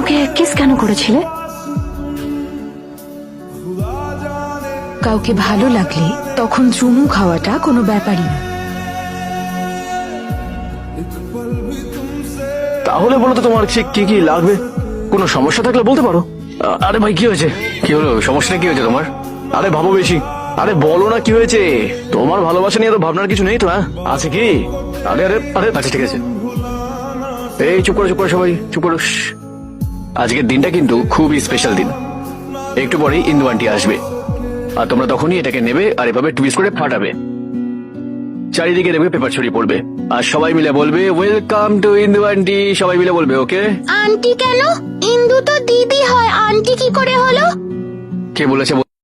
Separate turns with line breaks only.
আমাকে কিস কেন করেছিলে? কাউকে ভালো লাগলে তখন চুমু খাওয়াটা কোনো ব্যাপারই না।
তাহলে বলো তো তোমার কি কি লাগবে? কোনো সমস্যা থাকলে বলতে পারো। আরে ভাই কি হয়েছে? কি হলো? সমস্যাটা কি হয়েছে তোমার? আরে ভাবো বেশি। আরে বলো না কি হয়েছে? তোমার ভালোবাসা নিয়ে তো ভাবনার কিছু নেই তো? হ্যাঁ আছে কি? আরে আরে আরে আচ্ছা ঠিক আছে, এই চুপ করো সবাই চুপ করো। আজকের দিনটা কিন্তু খুবই স্পেশাল দিন। একটু পরেই ইন্দু আন্টি আসবে, আর তোমরা তখনই এটাকে নেবে আর এভাবে টুইস্ট করে ফাটাবে। চারিদিকে দেখবে পেপার ছড়িয়ে পড়বে, আর সবাই মিলে বলবে ওয়েলকাম টু ইন্দু আন্টি। সবাই মিলে বলবে ওকে।
আন্টি কেন? ইন্দু তো দিদি হয়, আন্টি কি করে হলো?
কে বলেছে